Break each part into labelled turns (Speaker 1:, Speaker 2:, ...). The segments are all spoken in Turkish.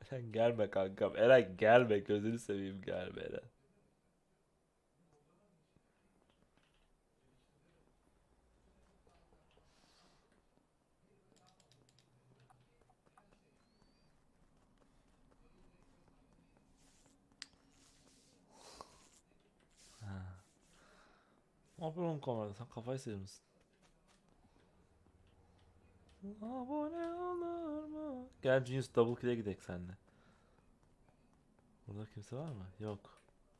Speaker 1: Eren gelme kankam. Eren gelme. Gözünü seveyim gelme Eren. Ne yapıyorsun kamerada? Sen kafayı sıyırmışsın. Abone olur mu? Gel Genius Double Kill'e gidelim seninle. Burada kimse var mı? Yok.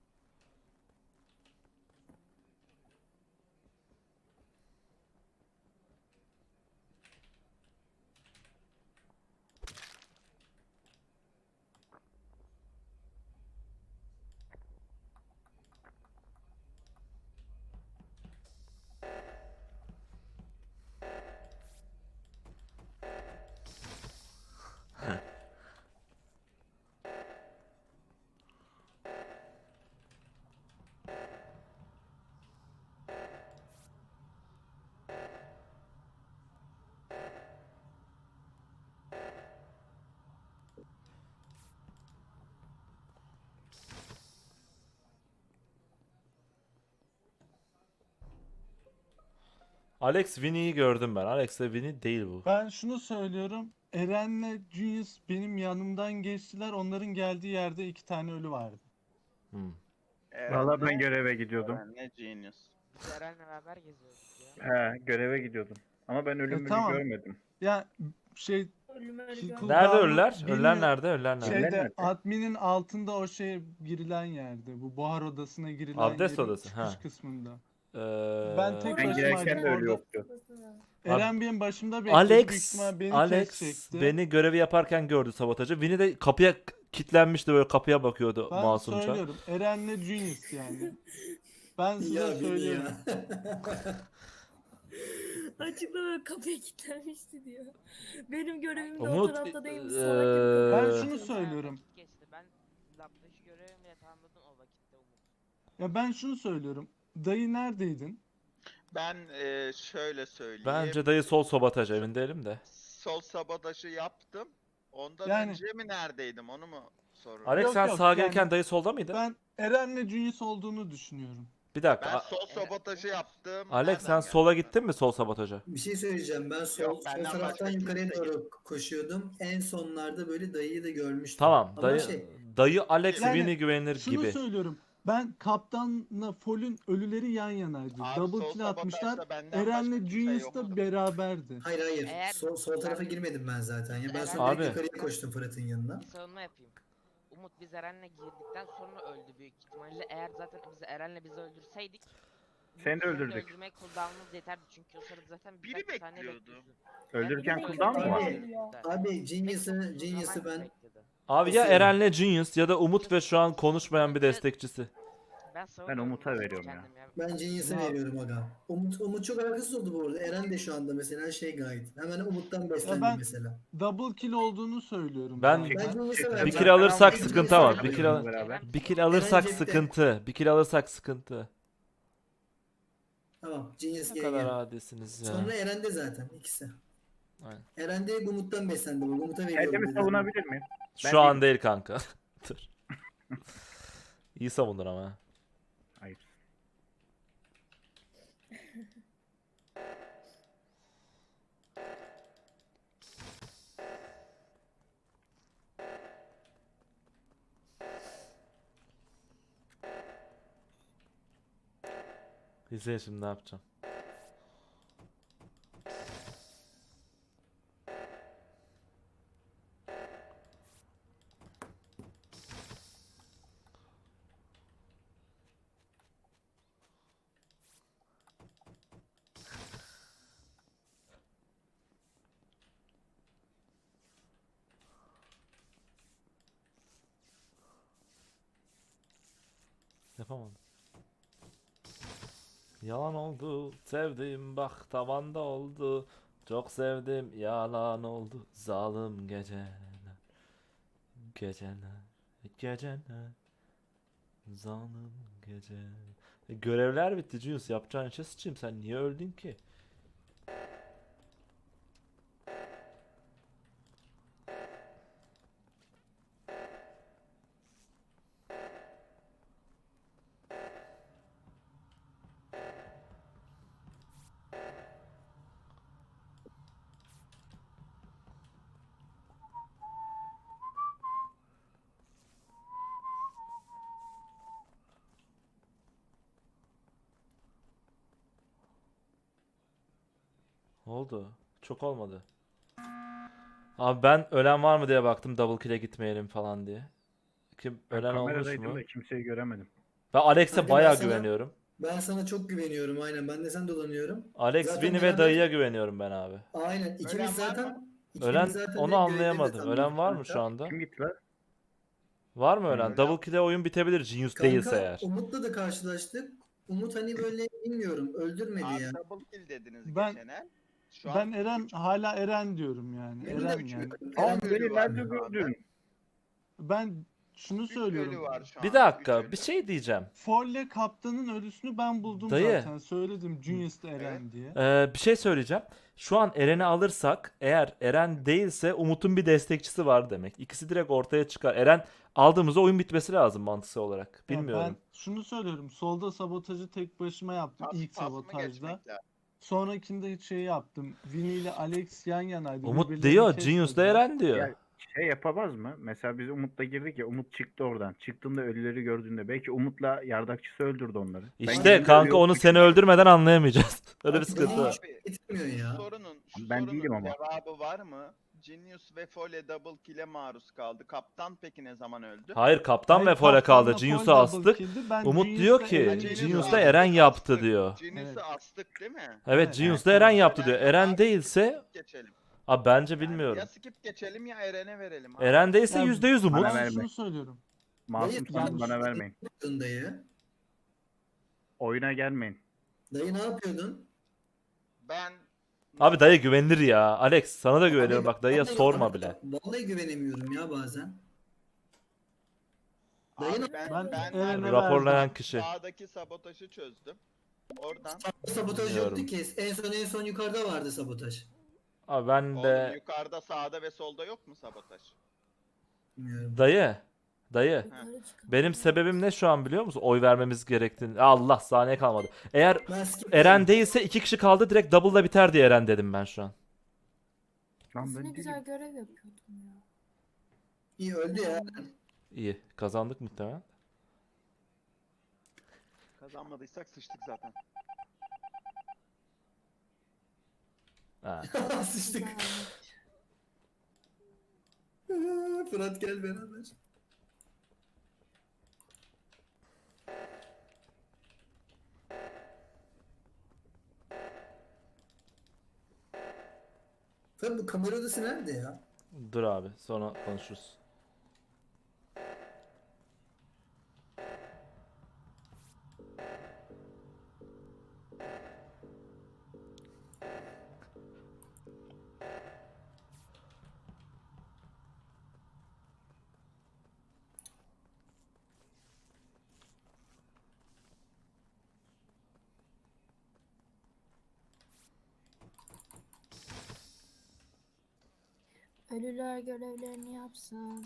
Speaker 1: Alex Winnie'yi gördüm ben. Alex ve Winnie değil bu.
Speaker 2: Ben şunu söylüyorum. Eren'le Junius benim yanımdan geçtiler. Onların geldiği yerde 2 tane ölü vardı.
Speaker 1: Hmm.
Speaker 3: Valla ben göreve gidiyordum.
Speaker 4: Ne genius.
Speaker 5: Biz Eren'le beraber geziyorduk ya.
Speaker 3: He, göreve gidiyordum. Ama ben ölümünü
Speaker 2: tamam.
Speaker 3: görmedim.
Speaker 2: Ya şey
Speaker 1: Nerede
Speaker 2: cooldown'u
Speaker 1: ölüler? Ölüler
Speaker 2: bilmiyorum.
Speaker 1: nerede? Ölüler nerede?
Speaker 3: Şeyde-
Speaker 2: Şeyde
Speaker 3: nerede?
Speaker 2: adminin altında o şeye girilen yerde. Bu buhar odasına girilen
Speaker 1: Abdest
Speaker 2: yerin
Speaker 1: odası,
Speaker 2: çıkış
Speaker 1: ha.
Speaker 2: kısmında.
Speaker 1: Ee,
Speaker 2: Ben tek
Speaker 3: Ben
Speaker 2: başıma
Speaker 3: girerken de ölü
Speaker 2: orada-
Speaker 3: yoktu.
Speaker 2: Eren benim başımda bekledi. Büyük ihtimal beni
Speaker 1: Alex
Speaker 2: kesecekti.
Speaker 1: beni görevi yaparken gördü sabotajı. Winnie de kapıya kilitlenmişti, böyle kapıya bakıyordu
Speaker 2: Ben
Speaker 1: masumca.
Speaker 2: söylüyorum. Eren'le Junius yani. Ben size
Speaker 6: Ya beni
Speaker 2: söylüyorum.
Speaker 6: ya.
Speaker 7: Açıkta böyle kapıya kilitlenmişti diyor. Benim görevim de o
Speaker 1: Umut,
Speaker 7: tarafta değilmiş.
Speaker 1: eee,
Speaker 7: Salak gibi kapıyı
Speaker 2: Ben
Speaker 7: kilitliyor.
Speaker 2: şunu söylüyorum.
Speaker 5: Geçti. Ben labdaki görevimle tamamladım o vakitte Umut.
Speaker 2: Ya ben şunu söylüyorum. Dayı neredeydin?
Speaker 4: Ben şöyle söyleyeyim.
Speaker 1: Bence dayı sol sabotaj, emin değilim de.
Speaker 4: Sol sabotajı yaptım. Ondan
Speaker 2: Yani-
Speaker 4: önce mi neredeydim onu mu soruyorum?
Speaker 1: Alex
Speaker 2: Yok,
Speaker 1: sen
Speaker 2: yok,
Speaker 1: sağa
Speaker 2: yani-
Speaker 1: gelirken dayı solda mıydı?
Speaker 2: Ben Eren'le Junius olduğunu düşünüyorum.
Speaker 1: Bir dakika.
Speaker 4: Ben sol sabotajı yaptım.
Speaker 1: Alex sen sola gittin mi sol sabotaja?
Speaker 6: Bir şey söyleyeceğim. Ben sol,
Speaker 4: Yok,
Speaker 6: sol
Speaker 4: benden
Speaker 6: taraftan
Speaker 4: başka
Speaker 6: yukarıya
Speaker 4: kimse
Speaker 6: doğru koşuyordum. En sonlarda böyle dayıyı da görmüştüm.
Speaker 1: Tamam,
Speaker 6: Ama
Speaker 1: dayı
Speaker 6: şey,
Speaker 1: dayı Alex
Speaker 2: Yani
Speaker 1: Winnie güvenilir
Speaker 2: Şunu
Speaker 1: gibi.
Speaker 2: söylüyorum. Ben kaptanla Fol'ün ölüleri yan yanaydı.
Speaker 4: Abi,
Speaker 2: Double
Speaker 4: sol
Speaker 2: kill atmışlar.
Speaker 4: sabotajda benden
Speaker 2: Eren'le
Speaker 4: başka kimse
Speaker 2: Junius
Speaker 4: yoktu.
Speaker 2: da beraberdi.
Speaker 6: hayır hayır.
Speaker 5: Eğer-
Speaker 6: Sol tarafa girmedim ben zaten. Ya ben
Speaker 5: Eren-
Speaker 6: sonra direkt
Speaker 1: Abi.
Speaker 6: yukarıya koştum Fırat'ın yanına.
Speaker 5: Bir savunma yapayım. Umut biz Eren'le girdikten sonra öldü büyük ihtimalle. Eğer zaten biz Eren'le bizi öldürseydik
Speaker 3: Seni de
Speaker 5: bizim
Speaker 3: öldürdük.
Speaker 5: öldürmeye cooldown'umuz yeterdi çünkü o sırada zaten
Speaker 4: Biri
Speaker 5: birkaç saniye
Speaker 4: bekliyordu.
Speaker 5: bekliyorsun.
Speaker 3: Öldürürken
Speaker 5: Ben-
Speaker 3: cooldown mu var?
Speaker 6: Abi Genius'ı ben
Speaker 1: Abi ya
Speaker 6: Nasıl
Speaker 1: Eren'le Genius ya da Umut ve şu an konuşmayan bir destekçisi.
Speaker 5: Ben
Speaker 3: Umut'a veriyorum ya.
Speaker 6: ben Genius'a
Speaker 2: Ya-
Speaker 6: veriyorum aga. Umut çok alakasız oldu bu arada. Eren de şu anda mesela şey gayet. Hemen Umut'tan beslendi
Speaker 2: ben-
Speaker 6: mesela.
Speaker 2: Double kill olduğunu söylüyorum.
Speaker 1: Ben-
Speaker 2: zaten.
Speaker 6: Ben Genius'a
Speaker 3: Bir
Speaker 6: verdim.
Speaker 1: Bir kill
Speaker 3: Zaten
Speaker 1: alırsak
Speaker 3: almayı
Speaker 1: sıkıntı
Speaker 3: düşünüyorum
Speaker 1: var. Bir kill
Speaker 3: benimle
Speaker 1: al-
Speaker 3: beraber.
Speaker 1: Bir kill alırsak
Speaker 6: cepte.
Speaker 1: sıkıntı. Bir kill alırsak sıkıntı.
Speaker 6: Tamam Genius
Speaker 1: Ne
Speaker 6: gel
Speaker 1: kadar
Speaker 6: gel.
Speaker 1: adisiniz ya.
Speaker 6: Sonra Eren'de zaten ikisi.
Speaker 1: Aynen.
Speaker 6: Eren de Umut'tan beslendi. Bak Umut'a veriyorum.
Speaker 3: Kendimi
Speaker 6: dedi.
Speaker 3: savunabilir miyim? Ben
Speaker 1: Şu an
Speaker 3: değilim.
Speaker 1: değil kanka. Dur. İyi savundun ama. ha.
Speaker 3: Hayır.
Speaker 1: İzleyin şimdi ne yapacağım. Yapamadım. Yalan oldu, sevdim bak tavanda oldu. Çok sevdim, yalan oldu. Zalim geceler, geceler, geceler. Zalim geceler. Görevler bitti Jules, yapacağın işe sıçayım. Sen niye öldün ki? Oldu. Çok olmadı. Abi ben ölen var mı diye baktım double kill'e gitmeyelim falan diye. Kim
Speaker 3: Ben
Speaker 1: ölen olmuş
Speaker 3: kameradaydım
Speaker 1: mu?
Speaker 3: da kimseyi göremedim.
Speaker 1: Ben Alex'e
Speaker 6: Kanka
Speaker 1: bayağı
Speaker 6: ben sana-
Speaker 1: güveniyorum.
Speaker 6: Ben sana çok güveniyorum aynen. Ben de sen dolanıyorum.
Speaker 1: Alex,
Speaker 6: Zaten
Speaker 1: Vini ve
Speaker 6: beraber-
Speaker 1: dayıya güveniyorum ben abi.
Speaker 6: Aynen.
Speaker 4: Ölen
Speaker 6: İkimiz
Speaker 4: var
Speaker 6: zaten...
Speaker 4: mı?
Speaker 6: ikimiz
Speaker 1: Ölen
Speaker 6: zaten
Speaker 1: onu
Speaker 6: direkt
Speaker 1: anlayamadım.
Speaker 6: görevleri de
Speaker 1: Ölen var mı
Speaker 6: tanıyoruz
Speaker 1: şu anda?
Speaker 3: Kim gitti lan?
Speaker 1: Var mı ölen?
Speaker 3: Ölen-
Speaker 1: Double kill'e oyun bitebilir Genius
Speaker 6: Kanka,
Speaker 1: değilse eğer.
Speaker 6: Umut'la da karşılaştık. Umut hani böyle bilmiyorum öldürmedi
Speaker 4: Abi
Speaker 6: ya.
Speaker 4: double kill dediniz
Speaker 2: Ben-
Speaker 4: geçen el. Şu
Speaker 2: Ben
Speaker 4: an
Speaker 2: Eren hala Eren diyorum yani.
Speaker 6: Benim de
Speaker 2: Eren
Speaker 6: üç-
Speaker 2: yani.
Speaker 6: Eren
Speaker 3: Abi
Speaker 4: ölü
Speaker 3: beni
Speaker 4: var
Speaker 3: nerede
Speaker 4: şu anda.
Speaker 3: gördün?
Speaker 2: Ben şunu
Speaker 4: üç ölü
Speaker 2: söylüyorum.
Speaker 4: var şu
Speaker 1: Bir
Speaker 4: an,
Speaker 1: dakika,
Speaker 4: üç ölü.
Speaker 1: bir şey diyeceğim.
Speaker 2: Folle kaptanın ölüsünü ben buldum
Speaker 1: Dayı.
Speaker 2: zaten. Söyledim Junius'ta Eren diye.
Speaker 1: Bir şey söyleyeceğim. Şu an Eren'i alırsak eğer Eren değilse Umut'un bir destekçisi var demek. İkisi direkt ortaya çıkar. Eren aldığımızda oyun bitmesi lazım mantıksal olarak.
Speaker 2: Ya
Speaker 1: Bilmiyorum.
Speaker 2: ben şunu söylüyorum. Solda sabotajı tek başıma yaptım ilk
Speaker 4: Pas mı
Speaker 2: sabotajda.
Speaker 4: geçmek lazım?
Speaker 2: Sonrakinde hiç şey yaptım. Vini ile Alex yan yanaydı.
Speaker 1: Umut
Speaker 2: birbirlerini
Speaker 1: diyor, Genius da
Speaker 2: kesmediler.
Speaker 1: Eren diyor.
Speaker 3: Ya şey yapamaz mı? Mesela biz Umut'la girdik ya, Umut çıktı oradan. Çıktığında ölüleri gördüğünde belki Umut'la yardakçısı öldürdü onları. Ben
Speaker 1: İşte
Speaker 3: girdiğimde
Speaker 1: kanka
Speaker 3: ölü
Speaker 1: onu
Speaker 3: yoktu
Speaker 1: seni
Speaker 3: çünkü.
Speaker 1: öldürmeden anlayamayacağız. Öyle bir
Speaker 6: Abi,
Speaker 1: sıkıntı
Speaker 6: beni
Speaker 1: var.
Speaker 6: hiç getirmiyor ya.
Speaker 4: Şu
Speaker 3: Ben
Speaker 4: sorunun
Speaker 3: değilim ama.
Speaker 4: cevabı var mı? Genius ve Fole double kill'e maruz kaldı. Kaptan peki ne zaman öldü?
Speaker 1: Hayır kaptan
Speaker 2: Hayır,
Speaker 1: ve Fole kaldı.
Speaker 2: kaptanla
Speaker 1: Genius'u
Speaker 2: Fole double
Speaker 1: astık.
Speaker 2: kill'di. Ben
Speaker 1: Umut
Speaker 2: Genius'la
Speaker 1: diyor ki
Speaker 2: Eren'i
Speaker 4: Genius'u
Speaker 1: Genius
Speaker 2: buldum.
Speaker 1: da
Speaker 4: astık,
Speaker 1: Eren yaptı
Speaker 4: astık.
Speaker 1: diyor.
Speaker 4: Genius'u
Speaker 2: Evet.
Speaker 4: astık değil mi?
Speaker 1: Evet
Speaker 2: Evet.
Speaker 1: Genius da Eren yaptı diyor.
Speaker 4: Eren
Speaker 1: Eren
Speaker 4: var.
Speaker 1: değilse
Speaker 4: Geçelim.
Speaker 1: abi bence
Speaker 4: Yani
Speaker 1: bilmiyorum.
Speaker 4: ya skip geçelim ya Eren'e verelim. abi.
Speaker 1: Eren değilse
Speaker 2: Ya
Speaker 1: %100 Umut.
Speaker 3: Bana
Speaker 2: Ben
Speaker 3: verme.
Speaker 2: şunu söylüyorum.
Speaker 3: Masumsanız
Speaker 6: Dayı,
Speaker 3: bana
Speaker 6: yanlış-
Speaker 3: vermeyin.
Speaker 6: Dayı.
Speaker 3: Oyuna gelmeyin.
Speaker 6: Dayı ne yapıyordun?
Speaker 4: Ben
Speaker 1: Abi dayı güvenilir ya. Alex sana da güveniyorum.
Speaker 6: Abi,
Speaker 1: Bak dayıya
Speaker 6: vallahi-
Speaker 1: sorma bile.
Speaker 6: Vallahi güvenemiyorum ya bazen.
Speaker 4: Abi
Speaker 6: Dayı
Speaker 2: Ben Eren'e
Speaker 1: Raporlayan
Speaker 2: verdim.
Speaker 1: kişi.
Speaker 4: sağdaki sabotajı çözdüm. Oradan
Speaker 6: Sabotaj
Speaker 1: Bilmiyorum.
Speaker 6: yoktu ki. En son yukarıda vardı sabotaj.
Speaker 1: Abi ben
Speaker 4: oğlum,
Speaker 1: de
Speaker 4: yukarıda sağda ve solda yok mu sabotaj?
Speaker 6: Bilmiyorum.
Speaker 1: dayı
Speaker 7: Yukarı çıkalım.
Speaker 1: benim sebebim ne şu an biliyor musun? Oy vermemiz gerektiğini. Allah saniye kalmadı. Eğer
Speaker 6: Ben skip
Speaker 1: Eren
Speaker 6: dedim.
Speaker 1: değilse 2 kişi kaldı direkt double'la biter diye Eren dedim ben şu an.
Speaker 3: Lan
Speaker 7: Aslında
Speaker 3: ben
Speaker 7: ne güzel
Speaker 3: değilim.
Speaker 7: görev yapıyordum ya.
Speaker 6: İyi öldü ya.
Speaker 1: İyi kazandık muhtemelen.
Speaker 4: Kazanmadıysak sıçtık zaten.
Speaker 1: Ha.
Speaker 6: Sıçtık. Fırat gel beraber. Fırat bu kamera odası nerede ya?
Speaker 1: Dur abi sonra konuşuruz.
Speaker 7: Ölüler görevlerini yapsın.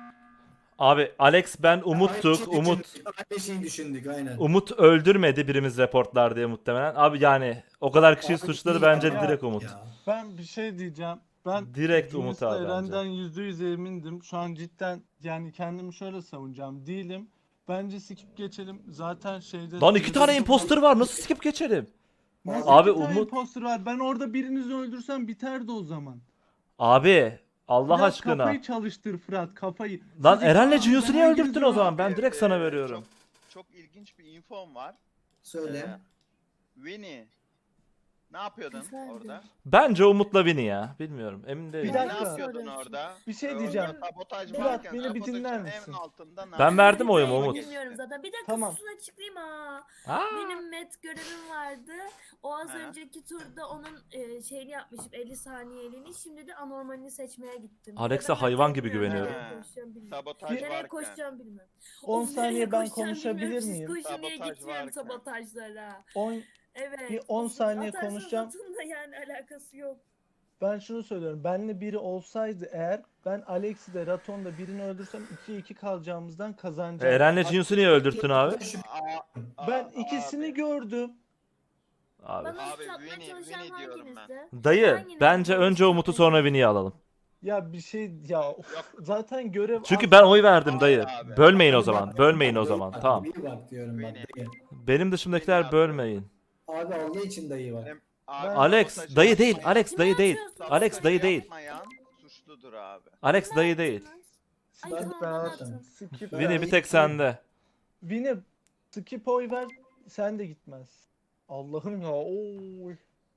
Speaker 1: Abi Alex ben Umut'tuk.
Speaker 6: Aynı şeyi
Speaker 1: Umut
Speaker 6: düşündük, Aynı şeyi düşündük aynen.
Speaker 1: Umut öldürmedi birimiz reportlar diye muhtemelen. Abi yani o kadar kişiyi
Speaker 6: Abi
Speaker 1: suçladı
Speaker 6: değil
Speaker 1: bence
Speaker 6: ya.
Speaker 1: direkt Umut.
Speaker 6: Ya.
Speaker 2: Ben bir şey diyeceğim. Ben
Speaker 1: Direkt Umut
Speaker 2: Junius'la
Speaker 1: abi bence.
Speaker 2: Eren'den %100 emindim. Şu an cidden yani kendimi şöyle savunacağım. Değilim. Bence skip geçelim. Zaten şeyde...
Speaker 1: Lan 2 tane imposter var nasıl skip geçelim?
Speaker 2: Nasıl
Speaker 1: Abi
Speaker 2: iki tane
Speaker 1: Umut-
Speaker 2: imposter var? Ben orada birinizi öldürsem biterdi o zaman.
Speaker 1: Abi Allah
Speaker 2: Biraz
Speaker 1: aşkına.
Speaker 2: Kafayı çalıştır Fırat kafayı.
Speaker 1: Lan
Speaker 2: Siz
Speaker 1: Eren'le
Speaker 2: ikiniz
Speaker 1: Genius'u niye
Speaker 2: hanginiz
Speaker 1: öldürttün o zaman? Ben
Speaker 4: Abi,
Speaker 1: direkt sana veriyorum.
Speaker 4: Çok ilginç bir infom var.
Speaker 6: Söyle.
Speaker 4: Winnie. Ne yapıyordun
Speaker 7: Efendim?
Speaker 4: orada?
Speaker 1: Bence Umut'la Vini ya. Bilmiyorum. Emin değilim.
Speaker 2: Bir
Speaker 4: Ne
Speaker 2: dakika.
Speaker 4: yapıyordun orada?
Speaker 2: Bir şey
Speaker 4: Orada
Speaker 2: diyeceğim.
Speaker 4: Sabotaj
Speaker 2: Fırat,
Speaker 4: varken
Speaker 2: beni bir
Speaker 4: sabotajın
Speaker 2: dinler
Speaker 4: en
Speaker 2: misin?
Speaker 4: altında ne
Speaker 1: Ben
Speaker 4: yapıyordun?
Speaker 1: verdim oyumu Umut.
Speaker 7: Bilmiyorum zaten. Bir dakika
Speaker 2: Tamam.
Speaker 7: susun açıklayayım ha.
Speaker 1: Aa,
Speaker 7: Benim met görevim vardı. O az
Speaker 4: Ha.
Speaker 7: önceki turda onun şeyini yapmışım 50 saniyeliğini. Şimdi de anormalini seçmeye gittim.
Speaker 1: Alex'e
Speaker 7: Bir de ben
Speaker 1: hayvan gibi
Speaker 7: bilmiyorum,
Speaker 1: güveniyorum.
Speaker 7: nereye koşacağım bilmiyorum.
Speaker 4: Sabotaj
Speaker 7: Nereye
Speaker 4: varken.
Speaker 7: koşacağım bilmiyorum.
Speaker 2: 10
Speaker 7: Of,
Speaker 2: saniye
Speaker 7: nereye
Speaker 2: ben
Speaker 7: koşacağım
Speaker 2: konuşabilir
Speaker 7: bilmiyorum.
Speaker 2: miyim?
Speaker 7: Siz koşun diye
Speaker 4: Sabotaj
Speaker 7: gitmiyorum
Speaker 4: varken.
Speaker 7: sabotajlara.
Speaker 2: 10
Speaker 7: Evet.
Speaker 2: Bir 10
Speaker 7: of,
Speaker 2: saniye
Speaker 7: atarsanız
Speaker 2: konuşacağım.
Speaker 7: atın da yani alakası yok.
Speaker 2: Ben şunu söylüyorum. Benle biri olsaydı eğer ben Alex'i de Raton'da birini öldürsem 2-2 kalacağımızdan kazanacağım.
Speaker 1: Eren'le Genius'u niye öldürttün abi?
Speaker 2: Ben ikisini gördüm.
Speaker 1: Abi.
Speaker 7: Bana
Speaker 4: Abi,
Speaker 7: satmaya
Speaker 4: Winnie-
Speaker 7: çalışan
Speaker 4: Winnie diyorum ben.
Speaker 7: hanginizdi?
Speaker 1: Dayı
Speaker 7: Hanginiz
Speaker 1: bence
Speaker 7: bana
Speaker 1: önce Umut'u
Speaker 7: satmaya
Speaker 1: sonra Vini'yi alalım.
Speaker 2: Ya bir şey ya of,
Speaker 4: Yok.
Speaker 2: zaten görev
Speaker 1: Çünkü
Speaker 2: az-
Speaker 1: ben oy verdim dayı.
Speaker 4: Abi.
Speaker 1: Bölmeyin o zaman. Bölmeyin o zaman. Tamam.
Speaker 6: İyi bak diyorum bak
Speaker 4: Beni-
Speaker 6: dayı.
Speaker 1: Benim dışımdakiler bölmeyin.
Speaker 6: Abi Allah için dayı bak.
Speaker 4: Abi,
Speaker 1: Alex
Speaker 4: sabotaj
Speaker 1: dayı değil.
Speaker 4: yapmayan-
Speaker 1: Alex dayı değil.
Speaker 7: Sabotaj
Speaker 1: Alex dayı değil.
Speaker 4: Yapmayan suçludur abi.
Speaker 1: Alex dayı değil.
Speaker 7: Ay
Speaker 6: Ben-
Speaker 7: tamam
Speaker 2: Ben
Speaker 7: bana
Speaker 2: attım.
Speaker 7: atın.
Speaker 2: Skip.
Speaker 1: Vini bir tek sende.
Speaker 2: Vini skip oy ver. Sen de gitmez. Allah'ım ya. Oy.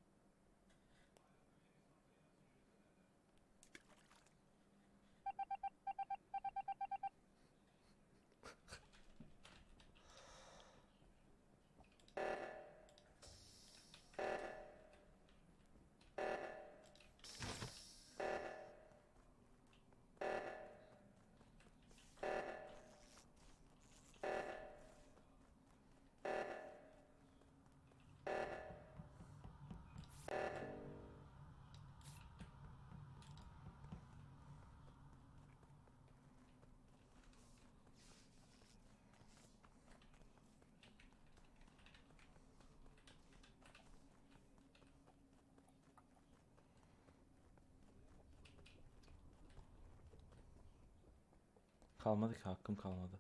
Speaker 1: Kalmadı ki, hakkım kalmadı.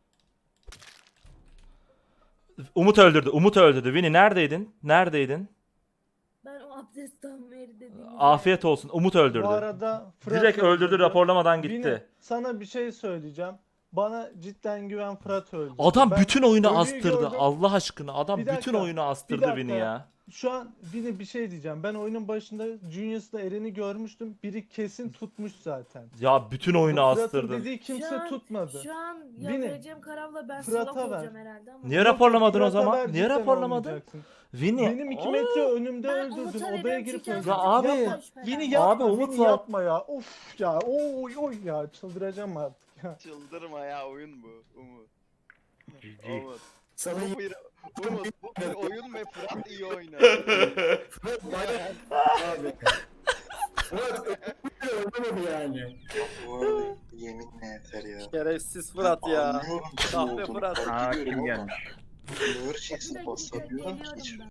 Speaker 1: Umut öldürdü. Umut öldürdü. Vini neredeydin? Neredeydin?
Speaker 7: Ben o abdestten beri dediğim
Speaker 1: Afiyet olsun. Umut öldürdü.
Speaker 2: Bu arada Fırat
Speaker 1: Direkt öldürdü, raporlamadan
Speaker 2: Vini,
Speaker 1: gitti.
Speaker 2: sana bir şey söyleyeceğim. Bana cidden güven, Fırat öldü.
Speaker 1: Adam
Speaker 2: Ben
Speaker 1: bütün oyunu
Speaker 2: ölüyü
Speaker 1: astırdı.
Speaker 2: gördüm.
Speaker 1: Allah aşkına. Adam
Speaker 2: Bir dakika,
Speaker 1: bütün oyunu
Speaker 2: bir
Speaker 1: astırdı
Speaker 2: dakika.
Speaker 1: Vini ya.
Speaker 2: Şu an Vini bir şey diyeceğim. Ben oyunun başında Junius'la Eren'i görmüştüm. Biri kesin tutmuş zaten.
Speaker 1: Ya bütün oyunu
Speaker 2: Fırat'ın
Speaker 1: astırdı.
Speaker 2: dediği kimse tutmadı.
Speaker 7: Şu an ya
Speaker 2: Vini,
Speaker 7: vereceğim kararla ben
Speaker 2: Fırat'a
Speaker 7: salak
Speaker 2: ver.
Speaker 7: olacağım herhalde ama.
Speaker 1: Niye
Speaker 2: Yok, yok,
Speaker 1: raporlamadın o
Speaker 2: Fırat'a
Speaker 1: zaman?
Speaker 2: ver,
Speaker 1: Niye
Speaker 2: cidden
Speaker 1: raporlamadın?
Speaker 2: olmayacaksın.
Speaker 1: Vini.
Speaker 2: Benim 2 metre önümde
Speaker 7: Ben
Speaker 2: öldürdün.
Speaker 7: Umut'a
Speaker 2: Odaya
Speaker 7: veriyorum
Speaker 2: girip
Speaker 7: çünkü
Speaker 2: öldürdün.
Speaker 1: Ya abi,
Speaker 2: Yapma. Vini yapma.
Speaker 1: Abi, Umut
Speaker 2: Vini
Speaker 1: var.
Speaker 2: yapma ya. Of ya. Oy oy ya. Çıldıracağım artık ya.
Speaker 4: Çıldırma ya, oyun bu. Umut.
Speaker 3: GG.
Speaker 4: Umut.
Speaker 6: Sana
Speaker 4: Bu bir, Umut, bu bir oyun ve Fırat iyi oynar.
Speaker 6: Fırat bana abi. Fırat öldürmedi yani.
Speaker 8: Bu arada yeminle yeter ya.
Speaker 9: Şerefsiz Fırat ya.
Speaker 8: Anlıyorum kim
Speaker 9: Kahve
Speaker 8: olduğunu,
Speaker 9: Fırat.
Speaker 8: fark
Speaker 3: Aa
Speaker 8: ediyorum
Speaker 3: kim
Speaker 8: ama
Speaker 3: gelmiş?
Speaker 8: Ağır
Speaker 7: Bir
Speaker 8: çeksin
Speaker 7: dakika
Speaker 8: basabiliyorum ki hiç.
Speaker 7: geliyorum ben.